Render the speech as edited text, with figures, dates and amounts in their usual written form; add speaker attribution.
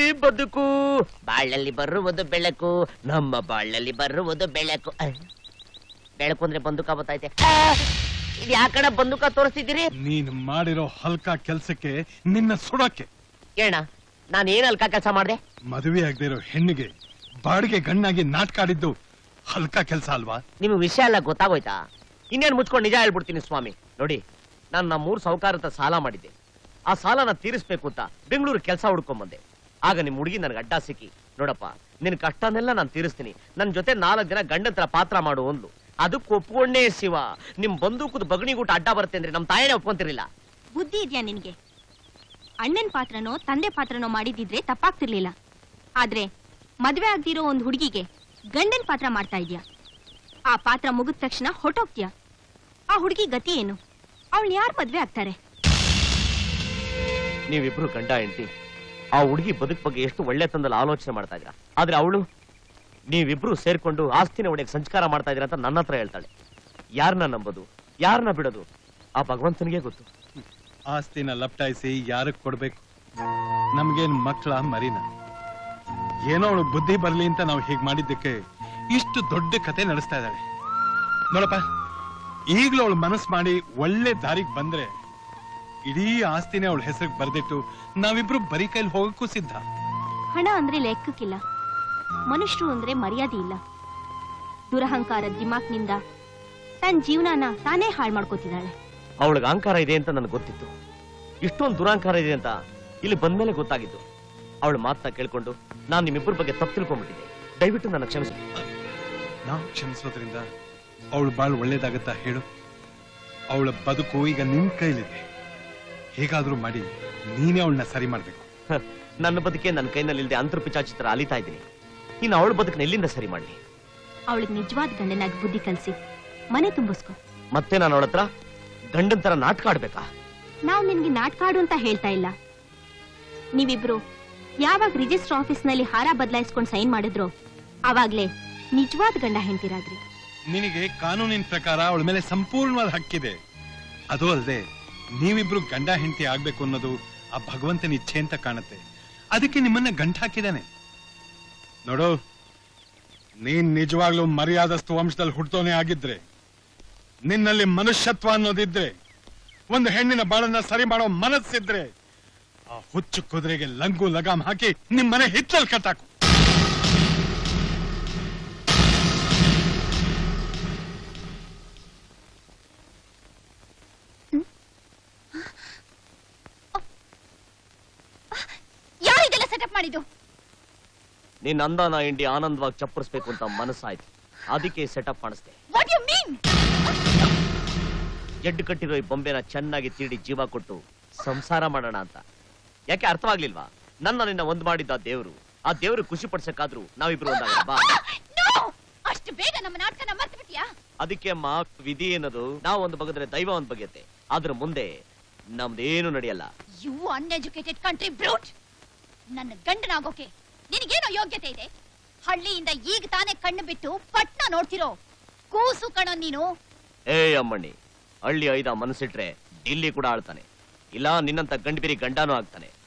Speaker 1: ಬದುಕು ಬಾಳಲ್ಲಿ ಬರುವುದು ಬೆಳಕು ನಮ್ಮ ಬಾಳಲ್ಲಿ ಬರುವುದು ಬೆಳಕು ಬೆಳಕು ಅಂದ್ರೆ ಬಂದೂಕ ಬತ್ತೈತೆ ಇದು ಯಾಕಡೆ ಬಂದೂಕ ತೋರಿಸ್ತಿದ್ದೀರಿ
Speaker 2: ನೀನು ಮಾಡಿರೋ ಹಲ್ಕ ಕೆಲ್ಸಕ್ಕೆ ನಿನ್ನ ಸುಡಕ್ಕೆ
Speaker 1: ಕೇಳ ನಾನು ಏನ್ ಹಲ್ಕ ಕೆಲಸ ಮಾಡ್ದೆ
Speaker 2: ಮದುವೆ ಆಗದೆ ಇರೋ ಹೆಣ್ಣಿಗೆ ಬಾಡಿಗೆ ಗಣ್ಣಾಗಿ ನಾಟಕ ಆಡಿದ್ದು ಹಲ್ಕ ಕೆಲ್ಸ ಅಲ್ವಾ
Speaker 1: ನಿಮ್ಗೆ ವಿಷಯ ಎಲ್ಲ ಗೊತ್ತಾಗೋಯ್ತಾ ಇನ್ನೇನು ಮುಚ್ಕೊಂಡು ನಿಜ ಹೇಳ್ಬಿಡ್ತೀನಿ ಸ್ವಾಮಿ ನೋಡಿ ನಾನು ನಮ್ಮ 3 ಸಾಹುಕಾರ ಹತ್ರ ಸಾಲ ಮಾಡಿದ್ದೆ ಆ ಸಾಲನ ತೀರಿಸ್ಬೇಕು ಅಂತ ಬೆಂಗಳೂರು ಕೆಲಸ ಹುಡ್ಕೊಂಡ್ ಬಂದೆ ಆಗ ನಿಮ್ ಹುಡುಗಿ ನನ್ಗೆ ಅಡ್ಡ ಸಿಕ್ಕಿ ನೋಡಪ್ಪ ನಿನ್ ಕಷ್ಟನೆಲ್ಲ ನಾನು ತೀರಿಸ್ತೀನಿ ನನ್ ಜೊತೆ 4 ದಿನ ಗಂಡಂತರ ಪಾತ್ರ ಮಾಡು ಅಂದ್ಲು ಅದಕ್ಕೆ ಒಪ್ಕೊಂಡೇ ಶಿವ ನಿಮ್ ಬಂದೂಕದ ಬಗಣಿಗೂಟ ಅಡ್ಡ ಬರುತ್ತೆ ಅಂದ್ರೆ ನಮ್ ತಾಯಿನೇ ಒಪ್ಕೊಂತಿರ್ಲಿಲ್ಲ
Speaker 3: ಬುದ್ಧಿ ಇದೆಯಾ ನಿನ್ಗೆ ಅಣ್ಣನ್ ಪಾತ್ರನೋ ತಂದೆ ಪಾತ್ರನೋ ಮಾಡಿದಿದ್ರೆ ತಪ್ಪಾಗ್ತಿರ್ಲಿಲ್ಲ ಆದ್ರೆ ಮದ್ವೆ ಆಗ್ದಿರೋ ಒಂದ್ ಹುಡುಗಿಗೆ ಗಂಡನ್ ಪಾತ್ರ ಮಾಡ್ತಾ ಇದ್ಯಾ ಆ ಪಾತ್ರ ಮುಗಿದ ತಕ್ಷಣ ಹೊಟ್ಟೋಗ್ತೀಯ ಆ ಹುಡುಗಿ ಗತಿ ಏನು ಅವಳು ಯಾರು ಮದ್ವೆ ಆಗ್ತಾರೆ
Speaker 1: ನೀವಿಬ್ರು ಗಂಡ ಹೆಂಡತಿ ಆ ಹುಡುಗಿ ಬದುಕ್ ಬಗ್ಗೆ ಎಷ್ಟು ಒಳ್ಳೆ ತಂದಲ್ಲಿ ಆಲೋಚನೆ ಮಾಡ್ತಾ ಇದ್ರ ಆದ್ರೆ ಅವಳು ನೀವಿಬ್ರು ಸೇರ್ಕೊಂಡು ಆಸ್ತಿನ ಒಡೆಯಕ್ಕೆ ಸಂಸ್ಕಾರ ಮಾಡ್ತಾ ಇದ್ದೀರಾ ಅಂತ ನನ್ನ ಹತ್ರ ಹೇಳ್ತಾಳೆ ಯಾರನ್ನ ನಂಬೋದು ಯಾರನ್ನ ಬಿಡೋದು ಆ ಭಗವಂತನಿಗೆ ಗೊತ್ತು
Speaker 2: ಆಸ್ತಿನ ಲಪ್ಟಾಯಿಸಿ ಯಾರಕ್ ಕೊಡ್ಬೇಕು ನಮ್ಗೇನ್ ಮಕ್ಕಳ ಮರಿನ ಏನೋ ಅವಳು ಬುದ್ಧಿ ಬರ್ಲಿ ಅಂತ ನಾವು ಹೀಗ್ ಮಾಡಿದ್ದಕ್ಕೆ ಇಷ್ಟು ದೊಡ್ಡ ಕತೆ ನಡೆಸ್ತಾ ಇದ್ದಾಳೆ ನೋಡಪ್ಪ ಈಗ್ಲೂ ಅವಳು ಮನಸ್ಸು ಮಾಡಿ ಒಳ್ಳೆ ದಾರಿಗೆ ಬಂದ್ರೆ ಇಡೀ ಆಸ್ತಿನೇ ಅವಳ ಹೆಸರಿಗೆ ಬರ್ದಿಟ್ಟು ನಾವಿಬ್ರು ಬರೀ ಕೈಲಿ ಹೋಗಕ್ಕೂ ಸಿದ್ಧ
Speaker 3: ಹಣ ಅಂದ್ರೆ ಲೆಕ್ಕಕ್ಕಿಲ್ಲ ಮನುಷ್ಯರು ಅಂದ್ರೆ ಮರ್ಯಾದೆ ಇಲ್ಲ ದುರಹಂಕಾರ ದಿಮಾಕ್ನಿಂದ ತನ್ನ ಜೀವನನ ತಾನೇ ಹಾಳು ಮಾಡ್ಕೋತಿದ್ದಾಳೆ
Speaker 1: ಅವಳಿಗೆ ಅಹಂಕಾರ ಇದೆ ಅಂತ ನನಗೆ ಗೊತ್ತಿತ್ತು ಇಷ್ಟೊಂದು ದುರಹಂಕಾರ ಇದೆ ಅಂತ ಇಲ್ಲಿ ಬಂದ್ಮೇಲೆ ಗೊತ್ತಾಗಿತ್ತು ಅವಳ ಮಾತನ್ನ ಕೇಳ್ಕೊಂಡು ನಾನು ನಿಮ್ಮಿಬ್ಬರ ಬಗ್ಗೆ ತಪ್ಪು ತಿಳ್ಕೊಂಡ್ಬಿಟ್ಟಿದ್ದೆ ದಯವಿಟ್ಟು ನನ್ನ ಕ್ಷಮಿಸಿ
Speaker 2: ನಾವು ಕ್ಷಮಿಸೋದ್ರಿಂದ ಅವಳು ಬಾಳ್ ಒಳ್ಳೇದಾಗತ್ತಾ ಹೇಳು ಅವಳ ಬದುಕು ಈಗ ನಿನ್ ಕೈಲಿದೆ ಹೇಗಾದ್ರೂ ಮಾಡಿ ನೀನೇ ಅವಳನ್ನ ಸರಿ ಮಾಡ್ಬೇಕು
Speaker 1: ನನ್ನ ಬದುಕೆ ನನ್ನ ಕೈನಲ್ಲಿ ಇಲ್ಲದೆ ಅಂತರ್ ಪಿಚಾಚಿತ್ರ ಅಲಿತಾ ಇದ್ದೀನಿ ಇನ್ನು ಅವಳ ಬದುಕನ್ನ ಎಲ್ಲಿಂದ ಸರಿ ಮಾಡ್ಲಿ
Speaker 3: ಅವಳಿಗೆ ನಿಜವಾದ ಗಂಡನಾಗಿ ಬುದ್ಧಿ ಕಲಿಸಿ ಮನೆ ತುಂಬಿಸ್ಕೊ
Speaker 1: ಮತ್ತೆ ನಾನು ಅವಳ ಹತ್ರ ಗಂಡನ್ ತರ ನಾಟಕ ಆಡ್ಬೇಕಾ
Speaker 3: ನಾವು ನಿನ್ಗೆ ನಾಟಕ ಆಡು ಅಂತ ಹೇಳ್ತಾ ಇಲ್ಲ ನೀವಿಬ್ರು ಯಾವಾಗ ರಿಜಿಸ್ಟರ್ ಆಫೀಸ್ ನಲ್ಲಿ ಹಾರ ಬದಲಾಯಿಸ್ಕೊಂಡು ಸೈನ್ ಮಾಡಿದ್ರು ಅವಾಗ್ಲೇ ನಿಜವಾದ ಗಂಡ ಹೆಂಡ್ತಿರಾದ್ರಿ
Speaker 2: ನಿನಗೆ ಕಾನೂನಿನ ಪ್ರಕಾರ ಅವಳ ಮೇಲೆ ಸಂಪೂರ್ಣವಾದ ಹಕ್ಕಿದೆ ಅದು ಅಲ್ಲದೆ ನೀವಿಬ್ರು ಗಂಡ ಹೆಂಡತಿ ಆಗ್ಬೇಕು ಅನ್ನೋದು ಆ ಭಗವಂತನ ಇಚ್ಛೆ ಅಂತ ಕಾಣುತ್ತೆ ಅದಕ್ಕೆ ನಿಮ್ಮನ್ನ ಗಂಟ ಹಾಕಿದಾನೆ ನೋಡು ನೀನ್ ನಿಜವಾಗ್ಲೂ ಮರ್ಯಾದಸ್ತು ವಂಶದಲ್ಲಿ ಹುಟ್ಟೋನೆ ಆಗಿದ್ರೆ ನಿನ್ನಲ್ಲಿ ಮನುಷ್ಯತ್ವ ಅನ್ನೋದಿದ್ರೆ ಒಂದು ಹೆಣ್ಣಿನ ಬಾಳನ್ನ ಸರಿ ಮಾಡೋ ಮನಸ್ಸಿದ್ರೆ ಆ ಹುಚ್ಚು ಕುದುರೆಗೆ ಲಂಗು ಲಗಾಮ್ ಹಾಕಿ ನಿಮ್ಮನೆ ಹಿತ್ತಲ್ ಕಟ್ಟಾಕು
Speaker 3: ಯಾರಿದೆಲ್ಲ ಸೆಟಪ್ ಮಾಡಿದ್ದು
Speaker 1: ನಿನ್ನ ಅಂದಾನ ಇಂಡಿ ಆನಂದವಾಗಿ ಚಪ್ಪರಿಸ್ಬೇಕು ಅಂತ ಮನಸ್ಸಾಯ್ತು ಅದಕ್ಕೆ ಸೆಟಪ್ ಮಾಡಿಸ್ದೆ
Speaker 3: ವಾಟ್ ಯು ಮೀನ್
Speaker 1: ಜಡ್ಡು ಕಟ್ಟಿರೋ ಈ ಬೊಂಬೆನ ಚೆನ್ನಾಗಿ ತೀಡಿ ಜೀವ ಕೊಟ್ಟು ಸಂಸಾರ ಮಾಡೋಣ ಅಂತ ಯಾಕೆ ಅರ್ಥವಾಗ್ಲಿಲ್ವಾ ನನ್ನ ನಿನ್ನ ಒಂದ್ ಮಾಡಿದ್ದ ದೇವ್ರು ಆ ದೇವ್ರು ಖುಷಿ ಪಡ್ಸಕ್ಕಾದ್ರೂ ನಾವಿಬ್ರು ಒಂದಾಗಲ್ಲ ಬಾ
Speaker 3: ಅಷ್ಟು ಬೇಗ ನಮ್ಮ ನಾಟಕನ ಮರ್ತು ಬಿಟ್ಟಿಯಾ
Speaker 1: ಅದಕ್ಕೆ ಮಾ ವಿಧಿ ಏನದು ನಾವು ಒಂದು ಬಗೆದ್ರೆ ದೈವ ಒಂದ್ ಬಗೆಯತ್ತೆ ಆದ್ರ ಮುಂದೆ ನಮ್ದೇನು ನಡೆಯಲ್ಲ
Speaker 3: ಯು ಅನ್ಎಜುಕೇಟೆಡ್ ಕಂಟ್ರಿ ಬ್ರೂಟ್ ನನ್ನ ಗಂಡನಾಗೋಕೆ ನಿನಗೇನೋ ಯೋಗ್ಯತೆ ಇದೆ ಹಳ್ಳಿಯಿಂದ ಈಗ ತಾನೇ ಕಣ್ಣು ಬಿಟ್ಟು ಪಟ್ನ ನೋಡ್ತಿರೋ ಕೂಸು ಕಣೋ ನೀನು
Speaker 1: ಏ ಅಮ್ಮಣ್ಣಿ ಹಳ್ಳಿ ಐದ ಮನಸ್ಸಿಟ್ರೆ ಡಿಲ್ಲಿ ಕೂಡ ಆಳ್ತಾನೆ ಇಲ್ಲ ನಿನ್ನಂತ ಗಂಡಬಿರಿ ಗಂಡನೂ ಆಗ್ತಾನೆ